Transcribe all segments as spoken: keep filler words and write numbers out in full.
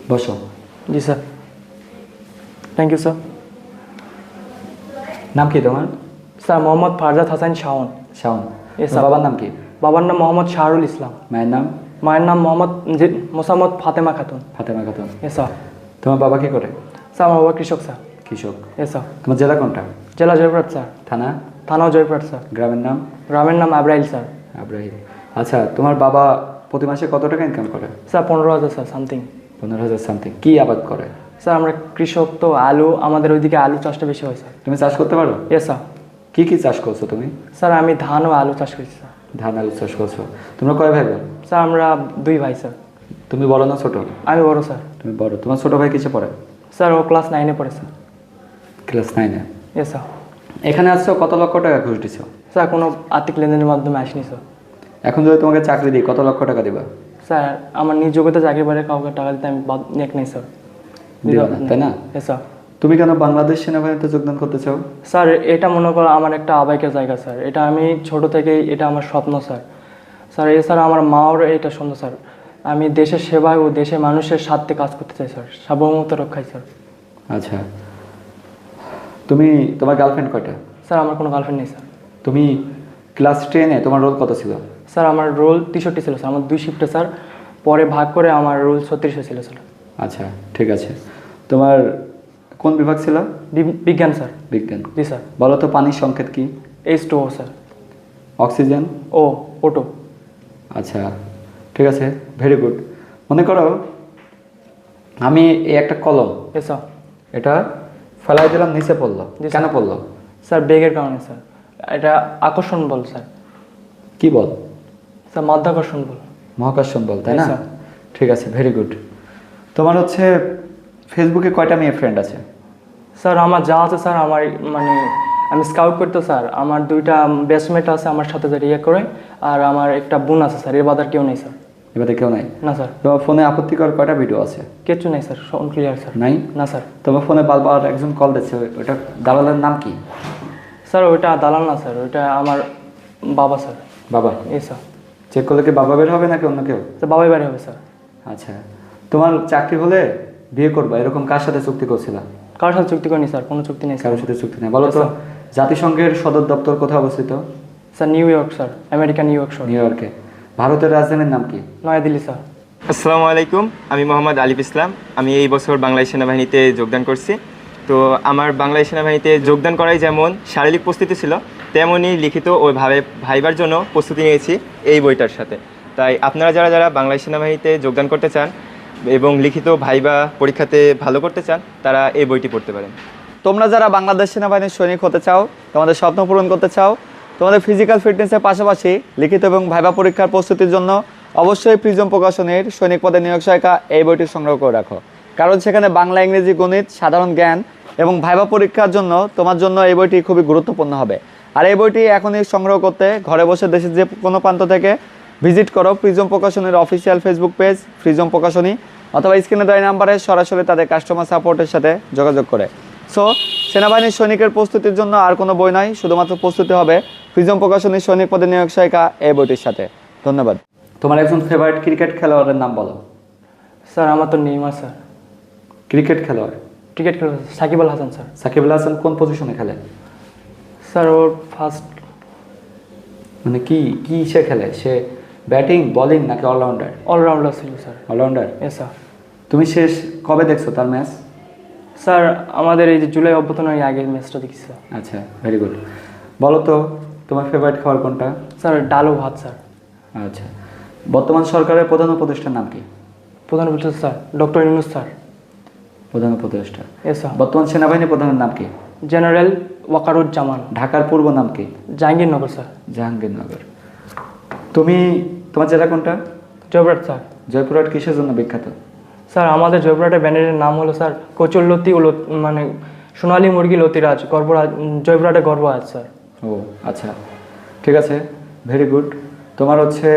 বসো। জি sir. Thank you sir. নাম কি তোমার? স্যার মোহাম্মদ ফারজাদ হাসান শাওন। শাওন। Yes, তোমার sir. বাবার নাম কি? বাবার নাম মোহাম্মদ শাহরুল ইসলাম। মায়ের নাম? মায়ের নাম মোহাম্মদ জি- মোসাম্মদ ফাতেমা খাতুন। ফাতেমা খাতুন। এ স্যার। তোমার বাবা কি করে? স্যার আমার বাবা কৃষক স্যার। কৃষক। এ স্যার। তোমার জেলা কোনটা? জেলা জয়পুরহাট স্যার। থানা? থানাও জয়পুরহাট স্যার। গ্রামের নাম? গ্রামের নাম আব্রাইল স্যার। আব্রাহিম। আচ্ছা, তোমার বাবা প্রতি মাসে কত টাকা ইনকাম করে? স্যার পনেরো হাজার স্যার সামথিং। পনেরো হাজার সামথিং। কি আবাদ করে? স্যার আমরা কৃষক তো আলু, আমাদের ওইদিকে আলু চাষটা বেশি হয় স্যার। তুমি চাষ করতে পারো? এ স্যার। কি কি চাষ করছো তুমি? স্যার আমি ধান ও আলু চাষ করছি স্যার। ধান আলু চাষ করছো। তোমরা কয় ভাই বোন? স্যার আমরা দুই ভাই স্যার। তুমি বড় না ছোট? আমি বড় স্যার। তুমি বড়। তোমার ছোট ভাই কিসে পড়ে? স্যার ও ক্লাস নাইনে পড়ে স্যার। ক্লাস নাইনে। এ স্যার। এখানে আসছো, কত লক্ষ টাকা ঘুষ দিছো? স্যার কোনো আর্থিক লেনদেনের মাধ্যমে আসিনি স্যার। এখন যদি তোমাকে চাকরি দিই কত লক্ষ টাকা দিবা? স্যার আমার নিজ যোগ্যতা চাকরি পারে কাউকে টাকা দিতে আমি বাদ নেক নেই স্যার। দিবা না, তাই না? এ স্যার। তুমি কেন বাংলাদেশ সেনাবাহিনীতে যোগদান করতে চাও? স্যার এটা মনে করো আমার একটা আবেগের জায়গা স্যার। এটা আমি ছোট থেকেই, এটা আমার স্বপ্ন স্যার। স্যার এছাড়া আমার মাও এটা সুন্দর স্যার। আমি দেশের সেবায় ও দেশের মানুষের স্বার্থে কাজ করতে চাই স্যার, সার্বভৌমত্ব রক্ষায় স্যার। আচ্ছা, তুমি তোমার গার্লফ্রেন্ড কয়টা? স্যার আমার কোনো গার্লফ্রেন্ড নেই স্যার। তুমি ক্লাস টেনে তোমার রোল কত ছিল? স্যার আমার রোল তেষট্টি ছিল স্যার, আমার দুই শিফটে স্যার, পরে ভাগ করে আমার রোল ছত্রিশ ছিল স্যার। আচ্ছা, ঠিক আছে। তোমার কোন বিভাগ ছিল? বি- বিজ্ঞান স্যার। বিজ্ঞান। জি স্যার। বলো তো পানির সংকেত কি? H two O sir. Oxygen? O ওটো। আচ্ছা, ঠিক আছে, ভেরি গুড। মনে করো আমি এই একটা কলম, এ স্যার। এটা ফেলাই দিলাম, নিচে পড়লো, জি, কেন স্যার। পড়লো? স্যার বেগের কারণে স্যার। এটা আকর্ষণ বল স্যার। কি বল? স্যার মাধ্যাকর্ষণ বল। মহাকর্ষণ বল, তাই জি, না? স্যার। ঠিক আছে, ভেরি গুড। তোমার হচ্ছে ফেসবুকে কয়টা মেয়ে ফ্রেন্ড আছে? স্যার আমার যা আছে স্যার, আমার মানে আমি স্কাউট করতে স্যার, আমার দুইটা বেস্টমেট আছে আমার সাথে যে ইয়ে করে, আর আমার একটা বোন আছে স্যার, এর বাদ আর কেউ নেই স্যার। এবারে কেউ নাই? না স্যার। তোমার ফোনে আপত্তিকর কয়টা ভিডিও আছে? কিচ্ছু নেই স্যার, সব ক্লিয়ার স্যার। নাই? না স্যার। তোমার ফোনে বারবার একজন কল দিচ্ছে, ওটা দালালের নাম কি? স্যার ওইটা দালাল না স্যার, ওইটা আমার বাবা স্যার। বাবা? এই স্যার। চেক করলে কি বাবা বের হবে নাকি অন্য কেউ? স্যার বাবাই বাড়ি হবে স্যার। আচ্ছা, তোমার চাকরি হলে বিয়ে করবা এরকম কার সাথে চুক্তি করছিলা? কারোর সাথে চুক্তি করিনি স্যার, কোনো চুক্তি নেই স্যার। কারোর সাথে চুক্তি নেই। বলো তো স্যার। জাতিসংঘের সদর দপ্তর কোথায় অবস্থিত? Sir New York sir, America New York শহর। নিউ ইয়র্কে। ভারতের রাজধানীর নাম কি? নয়াদিল্লি স্যার। আসসালামু আলাইকুম, আমি মোহাম্মদ আলিফ ইসলাম। আমি এই বছর বাংলাদেশ সেনাবাহিনীতে যোগদান করছি। তো আমার বাংলাদেশ সেনাবাহিনীতে যোগদান করাই যেমন শারীরিক প্রস্তুতি ছিল, তেমনই লিখিত ও ভাবে ভাইবার জন্য প্রস্তুতি নিয়েছি এই বইটার সাথে। তাই আপনারা যারা যারা বাংলাদেশ সেনাবাহিনীতে যোগদান করতে চান এবং লিখিত ভাইবা পরীক্ষাতে ভালো করতে চান, তারা এই বইটি পড়তে পারেন। তোমরা যারা বাংলাদেশ সেনাবাহিনীর সৈনিক হতে চাও, তোমাদের স্বপ্ন পূরণ করতে চাও, তোমাদের ফিজিক্যাল ফিটনেসের পাশাপাশি লিখিত এবং ভাইবা পরীক্ষার প্রস্তুতির জন্য অবশ্যই প্রিজম প্রকাশনের সৈনিক পদে নিয়োগ সহায়িকা এই বইটি সংগ্রহ করে রাখো। কারণ সেখানে বাংলা, ইংরেজি, গণিত, সাধারণ জ্ঞান এবং ভাইবা পরীক্ষার জন্য তোমার জন্য এই বইটি খুবই গুরুত্বপূর্ণ হবে। আর এই বইটি এখনই সংগ্রহ করতে ঘরে বসে দেশের যে কোনো প্রান্ত থেকে ভিজিট করো প্রিজম প্রকাশনের official Facebook page Prism Prokashoni, অথবা স্ক্রিনে দেওয়া নাম্বারে সরাসরি তাদের কাস্টমার সাপোর্টের সাথে যোগাযোগ করে। সো সেনাবাহিনীর সৈনিকের প্রস্তুতির জন্য আর কোনো বই নয়, শুধুমাত্র প্রস্তুতি হবে প্রিজম প্রকাশনীর সৈনিক পদে নিয়োগ সহায়িকা এই বইটির সাথে। ধন্যবাদ। তোমার একজন ফেভারিট ক্রিকেট খেলোয়াড়ের নাম বলো। স্যার আমার তো নেইমার স্যার। ক্রিকেট খেলোয়াড়? ক্রিকেট খেলা সাকিব আল হাসান স্যার। সাকিব আল হাসান কোন পজিশনে খেলে? স্যার ওর ফার্স্ট মানে কি কি সে খেলে? সে ব্যাটিং, বোলিং নাকি অলরাউন্ডার? অলরাউন্ডার ছিল স্যার। অলরাউন্ডার। এ স্যার। তুমি শেষ কবে দেখছো তার ম্যাচ? স্যার আমাদের এই যে জুলাই অভ্যর্থনের আগে ম্যাচটা দেখেছিলাম। আচ্ছা, ভেরি গুড। বলো তো তোমার ফেভারিট খাবার কোনটা? স্যার ডাল ও ভাত স্যার। আচ্ছা, বর্তমান সরকারের প্রধান উপদেষ্টার নাম কি? প্রধান উপদেষ্টা স্যার ডক্টর ইউনূস স্যার। প্রধান উপদেষ্টা। এ স্যার। বর্তমান সেনাবাহিনী প্রধানের নাম কি? জেনারেল ওয়াকারুজ্জামান। ঢাকার পূর্ব নাম কি? জাহাঙ্গীরনগর স্যার। জাহাঙ্গীরনগর। তুমি তোমার জেলা কোনটা? জয়পুরহাট স্যার। জয়পুরহাট কিসের জন্য বিখ্যাত? স্যার আমাদের জয়পুরহাটের ব্যানারের নাম হলো স্যার কচুরলতি ও লত- মানে সোনালী মুরগি লতিরাজ গর্বরাজ, জয়পুরহাটে গর্ব আছে স্যার। ও আচ্ছা, ঠিক আছে, ভেরি গুড। তোমার হচ্ছে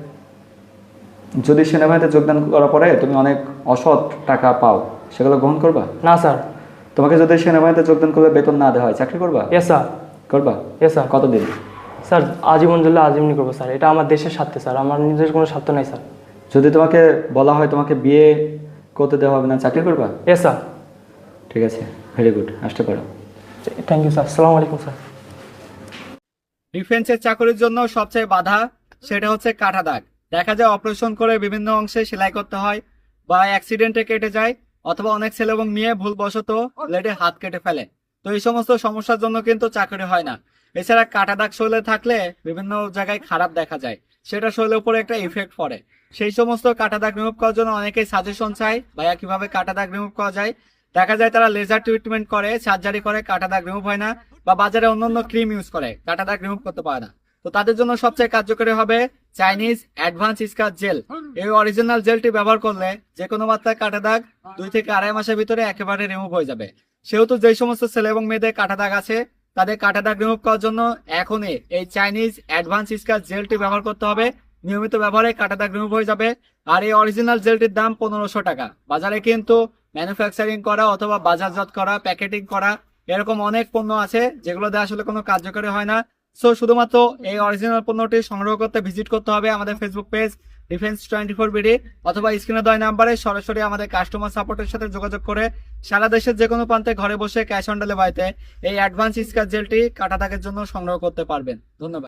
যদি সেনাবাহিনীতে যোগদান করার পরে তুমি অনেক অসৎ টাকা পাও, সেগুলো গ্রহণ করবা? না স্যার। তোমাকে যদি সেনাবাহিনীতে যোগদান করলে বেতন না দেওয়া হয়, চাকরি করবা? এ স্যার। করবা? এ স্যার। কতদিন? স্যার আজীবন জন্য আজীবনই করবো স্যার, এটা আমার দেশের স্বার্থে স্যার, আমার নিজের কোনো স্বার্থ নাই স্যার। যদি তোমাকে বলা হয় তোমাকে বিয়ে করতে দেওয়া হবে না, চাকরি করবা? এ স্যার। ঠিক আছে, ভেরি গুড, আসতে পারো। থ্যাংক ইউ স্যার, আসসালামু আলাইকুম স্যার। ডিফেন্সের চাকরির জন্য সবচেয়ে বাধা সেটা হচ্ছে কাটা দাগ। দেখা যায় অপারেশন করে বিভিন্ন অংশে সেলাই করতে হয় বা অ্যাক্সিডেন্টে কেটে যায়, অথবা অনেক ছেলে এবং মেয়ে ভুলবশত ব্লেডে হাত কেটে ফেলে। তো এই সমস্ত সমস্যার জন্য কিন্তু চাকরি হয় না। এছাড়া কাটা দাগ শরীরে থাকলে বিভিন্ন জায়গায় খারাপ দেখা যায়, সেটা শরীরের উপরে একটা ইফেক্ট পড়ে। সেই সমস্ত কাটা দাগ রিমুভ করার জন্য অনেকেই সাজেশন চায়, ভাইয়া কিভাবে কাটা দাগ রিমুভ করা যায়। দেখা যায় তারা লেজার ট্রিটমেন্ট করে, সার্জারি করে, কাটা দাগ রিমুভ হয় না, বা বাজারে অন্যান্য ক্রিম ইউজ করে, কাটা দাগ রিমুভ করতে পারে না। তো তাদের জন্য সবচেয়ে কার্যকরী হবে চাইনিজ অ্যাডভান্স স্কার জেল। এই অরিজিনাল জেলটি ব্যবহার করলে যে কোনো মাত্রায় কাটা দাগ দুই থেকে আড়াই মাসের ভিতরে একেবারে রিমুভ হয়ে যাবে। সেহেতু যেই সমস্ত ছেলে এবং মেয়েদের কাটা দাগ আছে, তাদের কাটা দাগ রিমুভ করার জন্য এখনই এই চাইনিজ অ্যাডভান্স স্কার জেলটি ব্যবহার করতে হবে। নিয়মিত ব্যবহারে কাটা দাগ রিমুভ হয়ে যাবে। আর এই অরিজিনাল জেলটির দাম পনেরোশো টাকা। বাজারে কিন্তু ম্যানুফ্যাকচারিং করা অথবা বাজারজাত করা, প্যাকেটিং করা এরকম অনেক পণ্য আছে যেগুলো দিয়ে আসলে কোনো কার্যকরী হয় না। সো শুধুমাত্র এই অরিজিনাল পণ্যটি সংগ্রহ করতে ভিজিট করতে হবে আমাদের Facebook page Defence twenty four BD, অথবা স্ক্রিনে দেওয়া নাম্বারে সরাসরি আমাদের কাস্টমার সাপোর্টের সাথে যোগাযোগ করে সারা দেশের যে কোনো প্রান্তে ঘরে বসে ক্যাশ অন ডেলিভারিতে এই অ্যাডভান্স স্কার জেলটি কাটা দাগের জন্য সংগ্রহ করতে পারবেন। ধন্যবাদ।